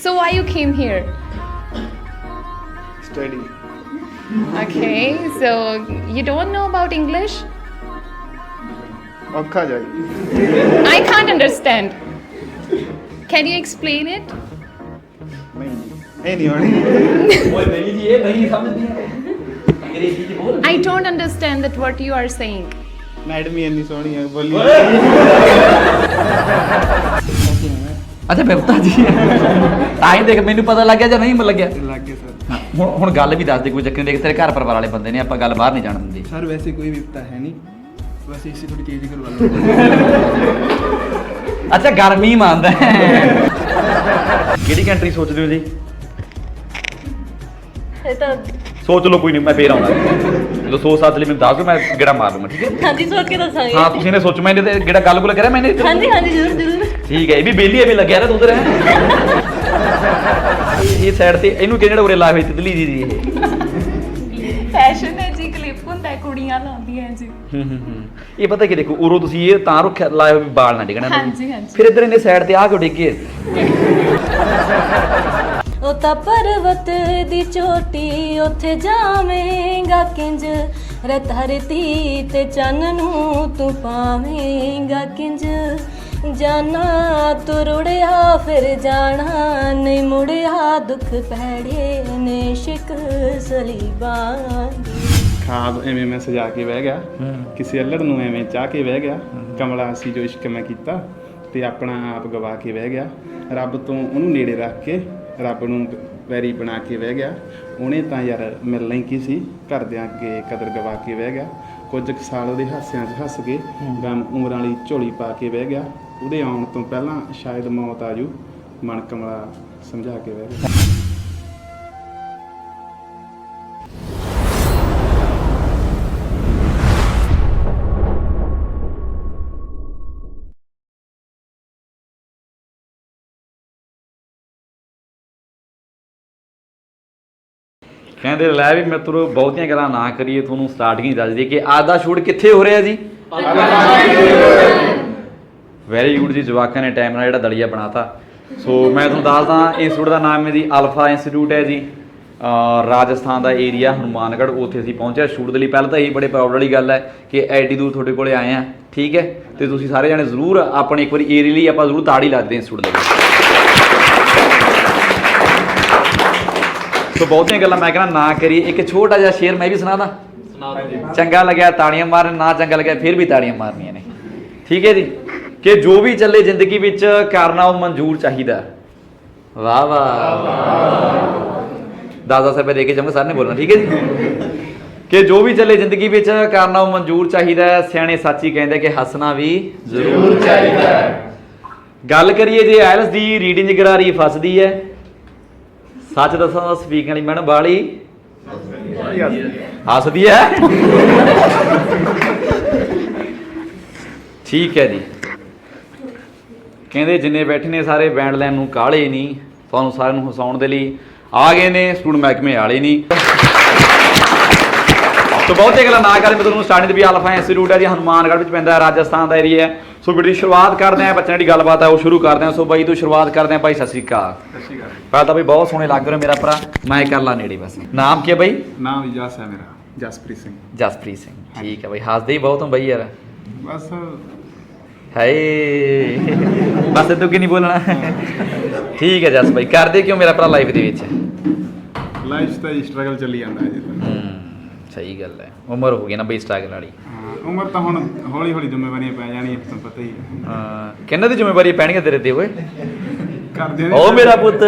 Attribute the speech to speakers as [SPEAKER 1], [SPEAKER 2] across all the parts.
[SPEAKER 1] So why you came here?
[SPEAKER 2] Study.
[SPEAKER 1] Okay, so you don't know about English?
[SPEAKER 2] ਔਖਾ ਜਾਈ
[SPEAKER 1] I can't understand. Can you explain it?
[SPEAKER 2] ਨਹੀਂ ਇਹ ਨਹੀਂ ਹੋਣੀ
[SPEAKER 3] ਓਏ ਮੇਰੀ ਜੀ ਇਹ ਨਹੀਂ ਸਮਝਦੀ ਅੰਗਰੇਜ਼ੀ ਚ ਬੋਲ
[SPEAKER 1] I don't understand that what you are saying.
[SPEAKER 2] Madam ਹੀ ਇੰਨੀ ਸੋਹਣੀ ਹੈ ਬੋਲੀ
[SPEAKER 3] ਅੱਛਾ ਬਿਪਤਾ ਜੀ ਤਾਂ ਹੀ ਦੇਖ ਮੈਨੂੰ ਪਤਾ ਲੱਗਿਆ ਜਾਂ ਨਹੀਂ ਲੱਗਿਆ
[SPEAKER 2] ਲੱਗੇ ਸਰ
[SPEAKER 3] ਹੁਣ ਗੱਲ ਵੀ ਦੱਸ ਦੇ ਕੋਈ ਚੱਕਰ ਨਹੀਂ ਦੇਖ ਤੇਰੇ ਘਰ ਪਰਿਵਾਰ ਵਾਲੇ ਬੰਦੇ ਨੇ ਆਪਾਂ ਗੱਲ ਬਾਹਰ ਨਹੀਂ ਜਾਣ ਦਿੰਦੇ
[SPEAKER 2] ਸਰ ਵੈਸੇ ਕੋਈ ਵਿਪਤਾ ਹੈ ਨਹੀਂ ਬਸ ਇਸੇ ਥੋੜੀ ਤੇਜ਼ ਕਰਵਾ ਲਓ
[SPEAKER 3] ਅੱਛਾ ਗਰਮੀ ਮੰਨਦਾ ਕਿਹੜੀ ਕੰਟਰੀ ਸੋਚਦੇ ਹੋ ਜੀ
[SPEAKER 4] ਇਹ ਤਾਂ
[SPEAKER 3] ਸੋਚ ਲਓ ਕੋਈ ਨਹੀਂ ਮੈਂ ਫੇਰ ਆਉਣਾ ਜਦੋਂ ਸੋਚ ਸਾਥ ਲਈ ਮੈਨੂੰ ਦੱਸ ਦਿਓ ਮੈਂ ਗੇੜਾ ਮਾਰ ਲੂੰਗਾ ਠੀਕ ਹੈ
[SPEAKER 4] ਹਾਂਜੀ ਸੋਚ ਕੇ ਦੱਸਾਂਗੇ
[SPEAKER 3] ਹਾਂ ਤੁਸੀਂ ਨੇ ਸੋਚ ਮੈਂ ਇਹਨੇ ਤੇ ਗੇੜਾ ਗੱਲ ਗੁੱਲ ਕਰਿਆ ਮੈਨੇ
[SPEAKER 4] ਹਾਂਜੀ ਹਾਂਜੀ ਜ਼ਰੂਰ ਜ਼ਰੂਰ
[SPEAKER 3] ਠੀਕ ਹੈ ਇਹ ਵੀ ਬੇਲੀ ਐਵੇਂ ਲੱਗਿਆ ਰਿਹਾ ਤੂੰ ਉਧਰ ਇਹ ਸਾਈਡ ਤੇ ਇਹਨੂੰ ਕਿਹੜਾ ਉਰੇ ਲਾਏ ਹੋਏ ਤਿਤਲੀ ਜੀ ਇਹ
[SPEAKER 1] Fashion ਹੈ ਜੀ, ਕਲਿੱਪ ਹੁੰਦਾ ਹੈ, ਕੁੜੀਆਂ ਲਾਉਂਦੀਆਂ ਜੀ।
[SPEAKER 3] ਇਹ ਪਤਾ ਕੀ ਦੇਖੋ ਉਰੋਂ ਤੁਸੀਂ ਇਹ ਤਾਂ ਰੱਖਿਆ ਲਾਏ ਹੋਏ ਵੀ ਵਾਲ ਨਾ ਡਿੱਗਣਾ
[SPEAKER 1] ਹਾਂਜੀ ਹਾਂਜੀ।
[SPEAKER 3] ਫਿਰ ਇੱਧਰ ਇਹਨੇ ਸਾਈਡ ਤੇ ਆ ਕਿਉਂ ਡਿੱਗੇ
[SPEAKER 4] ਉਹ ਤਾਂ ਪਰਵਤ ਦੀ ਚੋਟੀ ਉੱਥੇ ਜਾਵੇਂਗਾ ਕਿੰਜ ਰਤਹਰਤੀ ਤੇ ਚੰਨ ਨੂੰ ਤੂੰ ਪਾਵੇਂਗਾ ਕਿੰਜ ਜਾਨਾ ਤੂੰ ਰੁੜਿਆ ਫਿਰ ਜਾਣਾ ਨਹੀਂ ਮੁੜਿਆ ਦੁੱਖ ਪੈੜੇ ਨੇ ਸ਼ਿਕ ਸਲੀਬਾਂ
[SPEAKER 2] ਖਾਬ ਐਵੇਂ ਮੈਂ ਸਜਾ ਕੇ ਬਹਿ ਗਿਆ ਕਿਸੇ ਅਲੜ ਨੂੰ ਐਵੇਂ ਚਾਹ ਕੇ ਬਹਿ ਗਿਆ ਕਮਲਾ ਸੀ ਜੋ ਇਸ਼ਕ ਮੈਂ ਕੀਤਾ ਤੇ ਆਪਣਾ ਆਪ ਗਵਾ ਕੇ ਬਹਿ ਗਿਆ ਰੱਬ ਤੋਂ ਉਹਨੂੰ ਨੇੜੇ ਰੱਖ ਕੇ ਰੱਬ ਨੂੰ ਵੈਰੀ ਬਣਾ ਕੇ ਬਹਿ ਗਿਆ ਉਹਨੇ ਤਾਂ ਯਾਰ ਮਿਲਣਾ ਹੀ ਕੀ ਸੀ ਘਰਦਿਆਂ ਅੱਗੇ ਕਦਰ ਗਵਾ ਕੇ ਬਹਿ ਗਿਆ ਕੁਝ ਕੁ ਸਾਲ ਉਹਦੇ ਹਾਸਿਆਂ 'ਚ ਹੱਸ ਕੇ ਗਮ ਉਮਰਾਂ ਵਾਲੀ ਝੋਲੀ ਪਾ ਕੇ ਬਹਿ ਗਿਆ ਉਹਦੇ ਆਉਣ ਤੋਂ ਪਹਿਲਾਂ ਸ਼ਾਇਦ ਮੌਤ ਆ ਜੂ ਮਨ ਕਮਲਾ ਸਮਝਾ ਕੇ ਬਹਿ ਗਿਆ
[SPEAKER 3] ਕਹਿੰਦੇ ਲੈ ਵੀ ਮਿੱਤਰੋ ਬਹੁਤੀਆਂ ਗੱਲਾਂ ਨਾ ਕਰੀਏ ਤੁਹਾਨੂੰ ਸਟਾਰਟਿੰਗ ਹੀ ਦੱਸ ਦਈਏ ਕਿ ਅੱਜ ਦਾ ਸ਼ੂਟ ਕਿੱਥੇ ਹੋ ਰਿਹਾ ਜੀ ਵੈਰੀ ਗੁੱਡ ਜੀ ਜਵਾਕਾਂ ਨੇ ਟਾਈਮ ਨਾਲ ਜਿਹੜਾ ਦਲੀਆ ਬਣਾਤਾ ਸੋ ਮੈਂ ਤੁਹਾਨੂੰ ਦੱਸਦਾ ਇੰਸਟੀਚਿਊਟ ਦਾ ਨਾਮ ਹੈ ਜੀ ਅਲਫਾ ਇੰਸਟੀਚਿਊਟ ਹੈ ਜੀ ਰਾਜਸਥਾਨ ਦਾ ਏਰੀਆ ਹਨੂਮਾਨਗੜ੍ਹ ਉੱਥੇ ਅਸੀਂ ਪਹੁੰਚਿਆ ਸ਼ੂਟ ਦੇ ਲਈ ਪਹਿਲਾਂ ਤਾਂ ਇਹੀ ਬੜੇ ਪ੍ਰਾਊਡ ਵਾਲੀ ਗੱਲ ਹੈ ਕਿ ਐਡੀ ਦੂਰ ਤੁਹਾਡੇ ਕੋਲੇ ਆਏ ਆ ਠੀਕ ਹੈ ਤੇ ਤੁਸੀਂ ਸਾਰੇ ਜਾਣੇ ਜ਼ਰੂਰ ਆਪਣੇ ਇੱਕ ਵਾਰੀ ਏਰੀਆ ਲਈ ਆਪਾਂ ਜ਼ਰੂਰ ਤਾੜੀ ਲਾ ਦਿੰਦੇ ਇੰਸਟੀਚਿਊਟ ਦੇ ਵਿੱਚ ਸੋ ਬਹੁਤੀਆਂ ਗੱਲਾਂ ਮੈਂ ਕਹਿੰਦਾ ਨਾ ਕਰੀਏ ਇੱਕ ਛੋਟਾ ਜਿਹਾ ਸ਼ੇਰ ਮੈਂ ਵੀ ਸੁਣਾਦਾ ਚੰਗਾ ਲੱਗਿਆ ਤਾੜੀਆਂ ਮਾਰਨ ਨਾ ਚੰਗਾ ਲੱਗਿਆ ਫਿਰ ਵੀ ਤਾੜੀਆਂ ਮਾਰਨੀਆਂ ਨੇ ਠੀਕ ਹੈ ਜੀ ਕਿ ਜੋ ਵੀ ਚੱਲੇ ਜ਼ਿੰਦਗੀ ਵਿੱਚ ਕਰਨਾ ਉਹ ਮਨਜ਼ੂਰ ਚਾਹੀਦਾ ਵਾਹ ਵਾਹ 10-10 ਰੁਪਏ ਦੇ ਕੇ ਜਾਵਾਂਗੇ ਸਰ ਨੇ ਬੋਲਣਾ ਠੀਕ ਹੈ ਜੀ ਕਿ ਜੋ ਵੀ ਚੱਲੇ ਜ਼ਿੰਦਗੀ ਵਿੱਚ ਕਰਨਾ ਉਹ ਮਨਜ਼ੂਰ ਚਾਹੀਦਾ ਸਿਆਣੇ ਸੱਚੀ ਕਹਿੰਦੇ ਕਿ ਹੱਸਣਾ ਵੀ ਜ਼ਰੂਰ ਚਾਹੀਦਾ ਗੱਲ ਕਰੀਏ ਜੇ ਆਇਲਸ ਦੀ ਰੀਡਿੰਗ ਗਰਾਰੀ ਫਸਦੀ ਹੈ ਸੱਚ ਦੱਸਾਂ ਤਾਂ ਸਪੀਕਿੰਗ ਵਾਲੀ ਮੈਡਮ ਬਾਲੀ ਹੱਸਦੀ ਹੈ ਠੀਕ ਹੈ ਜੀ ਕਹਿੰਦੇ ਜਿੰਨੇ ਬੈਠੇ ਨੇ ਸਾਰੇ ਬੈਂਡ ਲਾਈਨ ਨੂੰ ਕਾਲੇ ਨਹੀਂ ਤੁਹਾਨੂੰ ਸਾਰਿਆਂ ਨੂੰ ਹਸਾਉਣ ਦੇ ਲਈ ਆ ਗਏ ਨੇ ਸਟੂਡੈਂਟ ਮਹਿਕਮੇ ਵਾਲੇ ਨਹੀਂ ਸੋ ਬਹੁਤੇ ਗੱਲਾਂ ਨਾ ਕਰੇ ਮੈਂ ਤੁਹਾਨੂੰ ਸਟਾਰਟਿੰਗ ਦੇ ਵੀ ਅਲਫਾ ਇੰਸਟੀਚਿਊਟ ਹੈ ਜੀ ਹਨੂਮਾਨਗੜ੍ਹ ਵਿੱਚ ਪੈਂਦਾ ਰਾਜਸਥਾਨ ਦਾ ਏਰੀਆ ਹੈ ਸੋ ਵੀਡੀਓ ਦੀ ਸ਼ੁਰੂਆਤ ਕਰਦੇ ਹਾਂ ਬੱਚਿਆਂ ਦੀ ਗੱਲਬਾਤ ਹੈ ਉਹ ਸ਼ੁਰੂ ਕਰਦੇ ਹਾਂ ਸੋ ਬਾਈ ਤੋਂ ਸ਼ੁਰੂਆਤ ਕਰਦੇ ਹਾਂ ਭਾਈ ਸਤਿ ਸ਼੍ਰੀ ਅਕਾਲ ਪਹਿਲਾਂ ਤਾਂ ਬਈ ਬਹੁਤ ਸੋਹਣੇ ਲੱਗ ਰਹੇ ਮੇਰਾ ਭਰਾ ਮੈਂ ਕਰ ਲਾ ਨੇੜੇ ਬਸ ਨਾਮ ਕੀ ਹੈ ਬਾਈ
[SPEAKER 2] ਨਾਮ ਵੀ ਜਸ ਹੈ ਮੇਰਾ ਜਸਪ੍ਰੀਤ ਸਿੰਘ
[SPEAKER 3] ਜਸਪ੍ਰੀਤ ਸਿੰਘ ਠੀਕ ਹੈ ਬਾਈ ਹੱਸਦੇ ਹੀ ਬਹੁਤ ਹੋ ਬਾਈ ਯਾਰ
[SPEAKER 2] ਬਸ
[SPEAKER 3] ਹਾਏ ਬਸ ਤੂੰ ਕੀ ਨਹੀਂ ਬੋਲਣਾ ਠੀਕ ਹੈ ਜਸ ਬਾਈ ਕਰਦੇ ਕਿਉਂ ਮੇਰਾ ਭਰਾ ਲਾਈਫ ਦੇ ਵਿੱਚ
[SPEAKER 2] ਲਾਈਫ ਤਾਂ ਸਟਰਗਲ ਚੱਲੀ ਜਾਂਦਾ ਹੈ ਜੀ
[SPEAKER 3] ਸਹੀ ਗੱਲ ਹੈ ਉਮਰ ਹੋ ਗਈ ਨਾ ਬਈ ਸਟਰਗਲ ਵਾਲੀ
[SPEAKER 2] ਉਮਰ ਤਾਂ ਹੁਣ ਹੌਲੀ ਹੌਲੀ ਜ਼ਿੰਮੇਵਾਰੀਆਂ ਪੈ ਜਾਣੀਆਂ ਤੁਹਾਨੂੰ ਪਤਾ ਹੀ ਹੈ
[SPEAKER 3] ਹਾਂ ਕਿੰਨਾਂ ਦੀ ਜ਼ਿੰਮੇਵਾਰੀ ਪੈਣਗੀਆਂ ਤੇਰੇ ਤੇ ਓਏ
[SPEAKER 2] ਕਰਦੇ
[SPEAKER 3] ਓ ਮੇਰਾ ਪੁੱਤ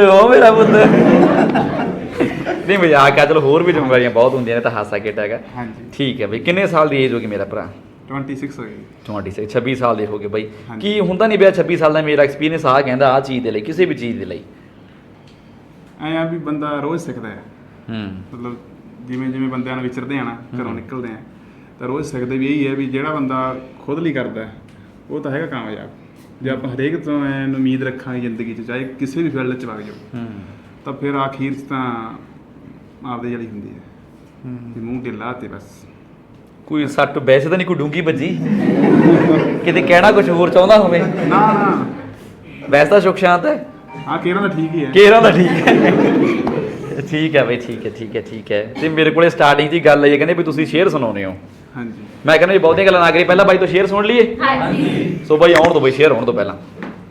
[SPEAKER 3] ਨਹੀਂ ਮਜ਼ਾਕ ਆ ਚਲੋ ਹੋਰ ਵੀ ਜ਼ਿੰਮੇਵਾਰੀਆਂ ਬਹੁਤ ਹੁੰਦੀਆਂ ਨੇ ਤਾਂ ਹਾਸਾ ਖੇਡ ਹੈਗਾ
[SPEAKER 2] ਹਾਂਜੀ
[SPEAKER 3] ਠੀਕ ਹੈ ਬਈ ਕਿੰਨੇ ਸਾਲ ਦੀ ਏਜ ਹੋ ਗਈ ਮੇਰਾ ਭਰਾ
[SPEAKER 2] 26 ਹੋ ਗਈ
[SPEAKER 3] 26 ਸਾਲ ਦੇ ਹੋ ਗਏ ਬਾਈ ਕੀ ਹੁੰਦਾ ਨਹੀਂ ਪਿਆ 26 ਸਾਲ ਦਾ ਮੇਰਾ ਐਕਸਪੀਰੀਅੰਸ ਆ ਕਹਿੰਦਾ ਆ ਚੀਜ਼ ਦੇ ਲਈ ਕਿਸੇ ਵੀ ਚੀਜ਼ ਦੇ ਲਈ
[SPEAKER 2] ਐਂ ਆ ਵੀ ਬੰਦਾ ਰੋਜ਼ ਸਿੱਖਦਾ ਹੈ ਮਤਲਬ ਜਿਵੇਂ ਜਿਵੇਂ ਬੰਦਿਆਂ ਨਾਲ ਵਿਚਰਦੇ ਆ ਨਾ ਘਰੋਂ ਨਿਕਲਦੇ ਆ ਤਾਂ ਰੋਜ਼ ਸਿੱਖਦੇ ਵੀ ਇਹੀ ਹੈ ਵੀ ਜਿਹੜਾ ਬੰਦਾ ਖੁਦ ਲਈ ਕਰਦਾ ਉਹ ਤਾਂ ਹੈਗਾ ਕਾਮਯਾਬ ਜੇ ਆਪਾਂ ਹਰੇਕ ਤੋਂ ਐਨ ਉਮੀਦ ਰੱਖਾਂਗੇ ਜ਼ਿੰਦਗੀ 'ਚ ਚਾਹੇ ਕਿਸੇ ਵੀ ਫੀਲਡ 'ਚ ਵਗ ਜਾਓ ਤਾਂ ਫਿਰ ਆਖੀਰ 'ਚ ਤਾਂ ਆਪਦੇ ਜਿਹੜੀ ਹੁੰਦੀ ਹੈ ਵੀ ਮੂੰਹ ਢਿੱਲਾ ਤੇ ਬਸ
[SPEAKER 3] ਕੋਈ ਸੱਟ ਵੈਸੇ ਤਾਂ ਨਹੀਂ ਕੋਈ ਡੂੰਗੀ ਵੱਜੀ ਕਿਤੇ ਕਹਿਣਾ ਕੁਝ ਹੋਰ ਚਾਹੁੰਦਾ ਹੋਵੇ
[SPEAKER 2] ਨਾ ਨਾ
[SPEAKER 3] ਵੈਸੇ ਤਾਂ ਸੁਖ ਸ਼ਾਂਤ ਹੈ
[SPEAKER 2] ਹਾਂ ਕੇਰਾਂ ਦਾ ਠੀਕ ਹੀ ਹੈ।
[SPEAKER 3] ਕੇਰਾਂ ਦਾ ਠੀਕ ਹੈ। ਠੀਕ ਹੈ ਬਈ, ਠੀਕ ਹੈ। ਤੇ ਮੇਰੇ ਕੋਲੇ ਸਟਾਰਟਿੰਗ 'ਚ ਹੀ ਗੱਲ ਆਈ ਹੈ, ਕਹਿੰਦੇ ਵੀ ਤੁਸੀਂ ਸ਼ੇਅਰ ਸੁਣਾਉਂਦੇ ਹੋ।
[SPEAKER 2] ਹਾਂਜੀ
[SPEAKER 3] ਮੈਂ ਕਹਿੰਦਾ ਜੀ ਬਹੁਤੀਆਂ ਗੱਲਾਂ ਨਾ ਕਰੀ, ਪਹਿਲਾਂ ਬਾਈ ਤੋਂ ਸ਼ੇਅਰ ਸੁਣ ਲਈਏ।
[SPEAKER 1] ਹਾਂਜੀ।
[SPEAKER 3] ਸੋ ਬਾਈ ਆਉਣ ਤੋਂ ਬਈ, ਸ਼ੇਅਰ ਹੋਣ ਤੋਂ ਪਹਿਲਾਂ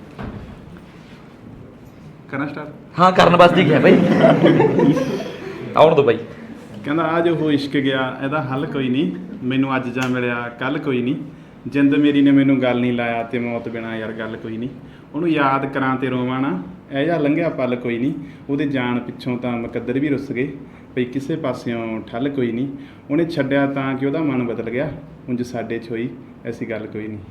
[SPEAKER 2] ਕਰਨਾ ਸਟਾਰਟ।
[SPEAKER 3] ਹਾਂ ਕਰਨ ਵਾਸਤੇ ਹੀ ਗਿਆ ਬਾਈ, ਆਉਣ ਤੋਂ ਬਾਈ।
[SPEAKER 2] ਕਹਿੰਦਾ ਆ ਜੋ ਹੋ ਇਸ਼ਕ ਗਿਆ, ਇਹਦਾ ਹੱਲ ਕੋਈ ਨਹੀਂ, ਮੈਨੂੰ ਅੱਜ ਜਾਂ ਮਿਲਿਆ ਕੱਲ ਕੋਈ ਨਹੀਂ, ਜਿੰਦ ਮੇਰੀ ਨੇ ਮੈਨੂੰ ਗੱਲ ਨਹੀਂ ਲਾਇਆ ਤੇ ਮੌਤ ਬਿਨਾ ਯਾਰ ਗੱਲ ਕੋਈ ਨਹੀਂ, ਉਹਨੂੰ ਯਾਦ ਕਰਾਂ ਤੇ ਰੋਵਾਂ ਨਾ, ਇਹ ਜਿਹਾ ਲੰਘਿਆ ਪਲ ਕੋਈ ਨਹੀਂ, ਉਹਦੇ ਜਾਣ ਪਿੱਛੋਂ ਤਾਂ ਮੁਕੱਦਰ ਵੀ ਰੁੱਸ ਗਏ, ਭਈ ਕਿਸੇ ਪਾਸਿਓਂ ਠੱਲ ਕੋਈ ਨਹੀਂ, ਉਹਨੇ ਛੱਡਿਆ ਤਾਂ ਕਿ ਉਹਦਾ ਮਨ ਬਦਲ ਗਿਆ, ਉਂਝ ਸਾਡੇ 'ਚ ਹੋਈ ਐਸੀ ਗੱਲ ਕੋਈ ਨਹੀਂ।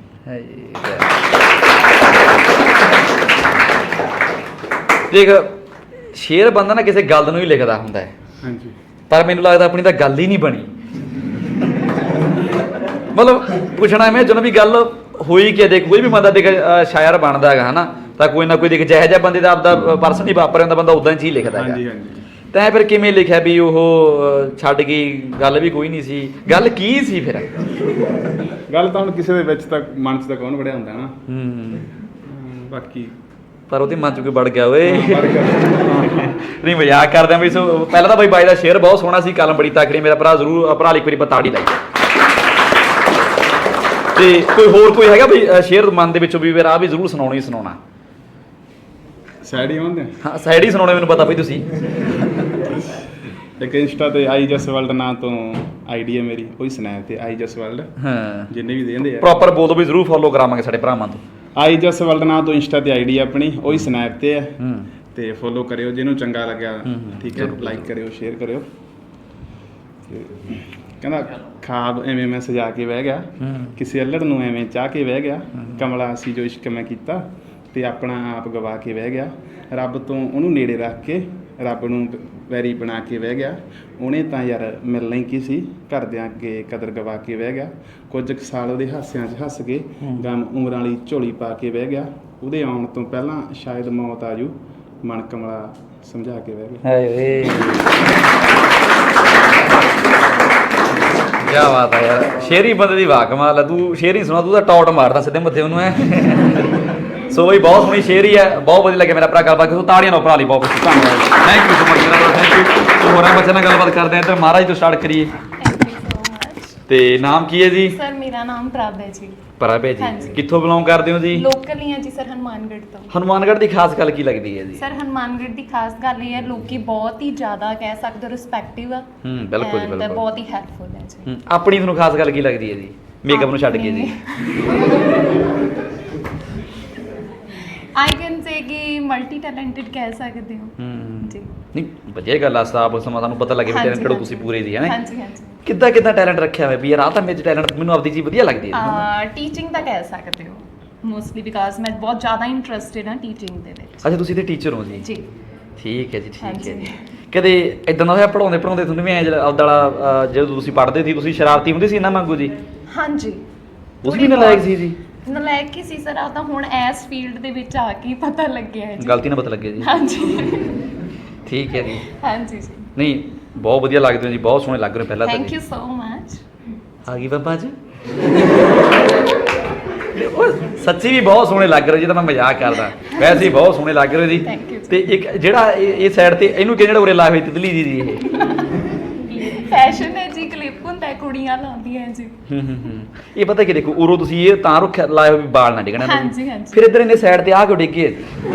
[SPEAKER 3] ਦੇਖ ਸ਼ੇਰ ਬੰਦਾ ਨਾ ਕਿਸੇ ਗੱਲ ਨੂੰ ਹੀ ਲਿਖਦਾ ਹੁੰਦਾ ਹੈ,
[SPEAKER 2] ਹਾਂਜੀ
[SPEAKER 3] ਪਰ ਮੈਨੂੰ ਲੱਗਦਾ ਆਪਣੀ ਤਾਂ ਗੱਲ ਹੀ ਨਹੀਂ ਬਣੀ। ਮਤਲਬ ਪੁੱਛਣਾ ਮੈਂ ਜਦੋਂ ਵੀ ਗੱਲ ਹੋਈ ਕਿ ਦੇਖ ਕੋਈ ਵੀ ਬੰਦਾ ਦੇਖ ਸ਼ਾਇਰ ਬਣਦਾ ਹੈਗਾ ਹਨਾ, ਤਾਂ ਕੋਈ ਨਾ ਕੋਈ ਦੇਖ ਜਿਹੋ ਜਿਹਾ ਬੰਦੇ ਦਾ ਆਪਦਾ ਪਰਸਨ ਹੀ ਵਾਪਰ ਜਾਂਦਾ, ਬੰਦਾ ਉਦਾਂ ਹੀ ਲਿਖਦਾ ਹੈਗਾ।
[SPEAKER 2] ਹਾਂਜੀ ਹਾਂਜੀ।
[SPEAKER 3] ਤੈਂ ਫਿਰ ਕਿਵੇਂ ਲਿਖਿਆ ਵੀ ਉਹ ਛੱਡ ਗਈ, ਗੱਲ ਵੀ ਕੋਈ ਨਹੀਂ ਸੀ, ਗੱਲ ਕੀ ਸੀ ਫਿਰ?
[SPEAKER 2] ਗੱਲ ਤਾਂ ਹੁਣ ਕਿਸੇ ਦੇ ਵਿੱਚ ਤਾਂ ਮਨ 'ਚ ਤਾਂ ਕੌਣ ਵੜਿਆ ਹੁੰਦਾ ਨਾ, ਬਾਕੀ
[SPEAKER 3] ਪਰ ਉਹਦੇ ਮਨ 'ਚ ਕੋਈ ਵੜ ਗਿਆ ਓਏ।
[SPEAKER 2] ਵੜ ਗਿਆ।
[SPEAKER 3] ਨਹੀਂ ਮਜ਼ਾਕ ਕਰਦੇ ਆ ਬਈ। ਸੋ ਪਹਿਲਾਂ ਤਾਂ ਬਾਈ ਬਾਈ ਦਾ ਸ਼ੇਅਰ ਬਹੁਤ ਸੋਹਣਾ ਸੀ, ਕਲਮ ਬੜੀ ਤਕੜੀ, ਮੇਰਾ ਭਰਾ ਜ਼ਰੂਰ ਭਰਾ ਲਈ ਇੱਕ ਵਾਰੀ ਤਾੜੀ ਲਾਈ। ਤੇ ਕੋਈ ਹੈਗਾ ਬਈ ਸ਼ੇਅਰ ਮਨ ਦੇ ਵਿੱਚੋਂ ਵੀ ਫਿਰ ਆ ਵੀ ਜ਼ਰੂਰ ਸੁਣਾਉਣਾ?
[SPEAKER 2] ਸੈਡ ਹੀ ਹੁੰਦੇ
[SPEAKER 3] ਹਾਂ ਸਾਈਡ ਹੀ ਸੁਣਾਉਣੇ, ਮੈਨੂੰ ਪਤਾ ਬਈ ਤੁਸੀਂ।
[SPEAKER 2] ਇੱਕ ਇੰਸਟਾ ਤੇ ਆਈ ਜਸ ਵਰਲਡ ਨਾਂ ਤੋਂ ਆਈਡੀ ਹੈ ਮੇਰੀ, ਉਹੀ ਸਨੈਪ ਤੇ ਆਈ ਜਸ ਵਰਲਡ,
[SPEAKER 3] ਹਾਂ
[SPEAKER 2] ਜਿੰਨੇ ਵੀ ਦੇਂਦੇ ਆ
[SPEAKER 3] ਪ੍ਰੋਪਰ ਬੋਲ ਦੋ ਵੀ ਜ਼ਰੂਰ ਫੋਲੋ ਕਰਾਵਾਂਗੇ ਸਾਡੇ ਭਰਾਵਾਂ ਤੋਂ।
[SPEAKER 2] ਆਈ ਜਸ ਵਰਲਡ ਨਾਂ ਤੋਂ ਇੰਸਟਾ ਤੇ ਆਈਡੀ ਆਪਣੀ, ਉਹੀ ਸਨੈਪ ਤੇ ਹੈ, ਤੇ ਫੋਲੋ ਕਰਿਓ ਜਿਹਨੂੰ ਚੰਗਾ ਲੱਗਿਆ, ਠੀਕ ਹੈ, ਲਾਈਕ ਕਰਿਓ, ਸ਼ੇਅਰ ਕਰਿਓ। ਕਹਿੰਦਾ ਖਾਬ ਐਵੇਂ ਮੈਂ ਸਜਾ ਕੇ ਬਹਿ ਗਿਆ, ਕਿਸੇ ਅਲੜ ਨੂੰ ਐਵੇਂ ਚਾਹ ਕੇ ਬਹਿ ਗਿਆ, ਕਮਲਾ ਸੀ ਜੋ ਇਸ਼ਕ ਮੈਂ ਕੀਤਾ ਤੇ ਆਪਣਾ ਆਪ ਗਵਾ ਕੇ ਬਹਿ ਗਿਆ, ਰੱਬ ਤੋਂ ਉਹਨੂੰ ਨੇੜੇ ਰੱਖ ਕੇ ਰੱਬ ਨੂੰ ਵੈਰੀ ਬਣਾ ਕੇ ਬਹਿ ਗਿਆ, ਉਹਨੇ ਤਾਂ ਯਾਰ ਮਿਲਣਾ ਹੀ ਕੀ ਸੀ, ਘਰਦਿਆਂ ਅੱਗੇ ਕਦਰ ਗਵਾ ਕੇ ਬਹਿ ਗਿਆ, ਕੁਝ ਕੁ ਸਾਲ ਉਹਦੇ ਹਾਸਿਆਂ 'ਚ ਹੱਸ ਕੇ ਗਮ ਉਮਰਾਂ ਵਾਲੀ ਝੋਲੀ ਪਾ ਕੇ ਬਹਿ ਗਿਆ, ਉਹਦੇ ਆਉਣ ਤੋਂ ਪਹਿਲਾਂ ਸ਼ਾਇਦ ਮੌਤ ਆ ਜੂ, ਮਨ ਕਮਲਾ ਸਮਝਾ ਕੇ ਬਹਿ ਗਿਆ।
[SPEAKER 3] ਹਾਏ ਕੀ ਬਾਤ ਹੈ ਯਾਰ, ਸ਼ੇਰੀ ਬੰਦੇ ਦੀ ਵਾਹ ਕਮਾਲ ਹੈ। ਤੂੰ ਸ਼ੇਰੀ ਸੁਣਾ, ਤੂੰ ਤਾਂ ਟੌਟ ਮਾਰਦਾ ਸਿੱਧੇ ਮੱਥੇ ਉਹਨੂੰ ਐ। ਸੋ ਬਈ ਬਹੁਤ ਸੋਹਣੀ ਸ਼ੇਰੀ ਹੈ, ਬਹੁਤ ਵਧੀਆ ਲੱਗਿਆ ਮੇਰਾ ਭਰਾ ਗੱਲਬਾਤ ਕੀਤੀ, ਤਾੜੀਆਂ ਨਾਲ ਭਰਾ ਲਈ ਬਹੁਤ ਕੁਝ। ਧੰਨਵਾਦ, ਥੈਂਕ ਯੂ ਸੋ ਮਚ ਮੇਰਾ, ਥੈਂਕ ਯੂ। ਹੋਰਾਂ ਬੱਚਿਆਂ ਨਾਲ ਗੱਲਬਾਤ ਕਰਦੇ ਆ ਤੇ ਮਹਾਰਾਜ ਤੋਂ ਸਟਾਰਟ ਕਰੀਏ।
[SPEAKER 1] Thank you so much.
[SPEAKER 3] ਤੇ ਨਾਮ ਕੀ ਹੈ ਜੀ?
[SPEAKER 1] ਸਰ ਮੇਰਾ ਨਾਮ ਪ੍ਰਭ ਹੈ ਜੀ।
[SPEAKER 3] ਪ੍ਰਭ ਹੈ ਜੀ,
[SPEAKER 1] ਹਾਂਜੀ।
[SPEAKER 3] ਕਿੱਥੋਂ ਬਿਲੋਂਗ ਕਰਦੇ ਹੋ ਜੀ?
[SPEAKER 1] ਲੋਕਲ ਹੀ ਹੈ ਜੀ ਸਰ, ਹਨੂਮਾਨਗੜ੍ਹ ਤੋਂ।
[SPEAKER 3] ਹਨੂਮਾਨਗੜ੍ਹ ਦੀ ਖਾਸ ਗੱਲ ਕੀ ਲੱਗਦੀ ਹੈ ਜੀ?
[SPEAKER 1] ਸਰ ਹਨੂਮਾਨਗੜ੍ਹ ਦੀ ਖਾਸ ਗੱਲ ਇਹ ਹੈ, ਲੋਕੀ ਬਹੁਤ ਹੀ ਜ਼ਿਆਦਾ ਕਹਿ ਸਕਦੇ ਹੋ ਰਿਸਪੈਕਟਿਵ ਆ।
[SPEAKER 3] ਬਿਲਕੁਲ ਜੀ,
[SPEAKER 1] and
[SPEAKER 3] ਬਿਲਕੁਲ।
[SPEAKER 1] ਬਹੁਤ ਹੀ ਹੈਲਪਫੁਲ ਹੈ ਜੀ।
[SPEAKER 3] ਆਪਣੀ ਤੁਹਾਨੂੰ ਖਾਸ ਗੱਲ ਕੀ ਲੱਗਦੀ ਹੈ ਜੀ ਮੇਕਅਪ ਨੂੰ ਛੱਡ ਕੇ ਜੀ?
[SPEAKER 1] ਆਈ ਕੈਨ ਸੇ ਕਿ ਮਲਟੀ ਟੈਲੈਂਟਡ ਕਹਿ ਸਕਦੇ ਹੋ ਜੀ।
[SPEAKER 3] ਨਹੀਂ ਵਧੀਆ ਗੱਲ ਆ, ਸਾਬ ਸਮਾਂ ਤੁਹਾਨੂੰ ਪਤਾ ਲੱਗੇ ਵੀ ਟੈਲੈਂਟ ਕਿਹੜਾ ਤੁਸੀਂ ਪੂਰੇ ਜੀ ਹੈ।
[SPEAKER 1] ਹਾਂਜੀ ਹਾਂਜੀ।
[SPEAKER 3] ਕਿੱਦਾਂ ਟੈਲੈਂਟ ਰੱਖਿਆ ਹੋਇਆ ਵੀ ਯਾਰ ਆ ਤਾਂ ਮੇਰੇ ਟੈਲੈਂਟ, ਮੈਨੂੰ ਆਪਦੀ ਚੀਜ਼ ਵਧੀਆ ਲੱਗਦੀ ਹੈ?
[SPEAKER 1] ਟੀਚਿੰਗ ਦਾ ਕਹਿ ਸਕਦੇ ਹੋ ਮੋਸਟਲੀ, ਬਿਕਾਜ਼ ਮੈਂ ਬਹੁਤ ਜ਼ਿਆਦਾ ਇੰਟਰਸਟਿਡ ਹਾਂ ਟੀਚਿੰਗ ਦੇ ਵਿੱਚ।
[SPEAKER 3] ਅੱਛਾ ਤੁਸੀਂ ਤੇ ਟੀਚਰ ਹੋ ਜੀ?
[SPEAKER 1] ਜੀ
[SPEAKER 3] ਠੀਕ ਹੈ ਜੀ, ਠੀਕ ਹੈ
[SPEAKER 1] ਹਾਂਜੀ।
[SPEAKER 3] ਜੀ। ਕਦੇ ਇਦਾਂ ਦਾ ਹੋਇਆ ਪੜਾਉਂਦੇ ਤੁਹਾਨੂੰ ਵੀ ਐ ਆਪਦਾ ਜਦੋਂ ਤੁਸੀਂ ਪੜ੍ਹਦੇ ਸੀ ਤੁਸੀਂ ਸ਼ਰਾਰਤੀ ਹੁੰਦੇ ਸੀ ਇਹਨਾਂ ਵਾਂਗੂ ਜੀ?
[SPEAKER 1] ਹਾਂਜੀ।
[SPEAKER 3] ਉਸ ਵੀ ਨਲਾਇਕ ਸੀ ਜੀ?
[SPEAKER 1] ਨਲਾਇਕ ਹੀ ਸੀ ਸਰ, ਆ ਤਾਂ ਹੁਣ ਇਸ ਫੀਲਡ ਦੇ ਵਿੱਚ ਆ ਕੇ ਪਤਾ ਲੱਗਿਆ ਹੈ ਜੀ।
[SPEAKER 3] ਗਲਤੀ ਨਾ ਪਤਾ ਲੱਗੇ ਜੀ?
[SPEAKER 1] ਹਾਂਜੀ
[SPEAKER 3] ਠੀਕ ਹੈ ਜੀ।
[SPEAKER 1] ਹਾਂਜੀ ਜੀ।
[SPEAKER 3] ਨਹੀਂ ਬਹੁਤ ਵਧੀਆ ਲੱਗਦੇ ਹੋ ਜੀ, ਬਹੁਤ ਸੋਹਣੇ ਲੱਗ ਰਹੇ ਹੋ ਪਹਿਲਾਂ ਤਾਂ
[SPEAKER 1] ਥੈਂਕ
[SPEAKER 3] ਜੀ।
[SPEAKER 1] You so much.
[SPEAKER 3] ਆ ਗਈ ਬਾਬਾ ਜੀ। ਸੱਚੀ ਵੀ ਬਹੁਤ ਸੋਹਣੇ ਲੱਗ ਰਹੇ ਜੀ, ਤਾਂ ਮੈਂ ਮਜ਼ਾਕ ਕਰਦਾ, ਵੈਸੇ ਹੀ ਬਹੁਤ ਸੋਹਣੇ ਲੱਗ ਰਹੇ ਜੀ।
[SPEAKER 1] Thank you.
[SPEAKER 3] ਤੇ ਇੱਕ ਜਿਹੜਾ ਇਹ ਸਾਈਡ ਤੇ ਇਹਨੂੰ ਕਿਹੜਾ ਉਰੇ ਲਾਏ ਹੋਏ ਤਿਤਲੀ ਜੀ ਜੀ ਇਹ?
[SPEAKER 1] ਫੈਸ਼ਨ ਹੈ ਜੀ, ਕਲਿੱਪ ਹੁੰਦਾ ਹੈ, ਕੁੜੀਆਂ ਲਾਉਂਦੀਆਂ ਜੀ।
[SPEAKER 3] ਇਹ ਪਤਾ ਕੀ ਦੇਖੋ ਉਰੋਂ ਤੁਸੀਂ ਇਹ ਤਾਂ ਰੱਖਿਆ ਲਾਏ ਹੋਏ ਵੀ ਵਾਲ ਨਾ ਡਿੱਗਣਾ।
[SPEAKER 1] ਹਾਂਜੀ, ਹਾਂਜੀ।
[SPEAKER 3] ਫਿਰ ਇੱਧਰ ਇਹਨੇ ਸਾਈਡ ਤੇ ਆ ਕਿਉਂ ਡਿੱਗੇ?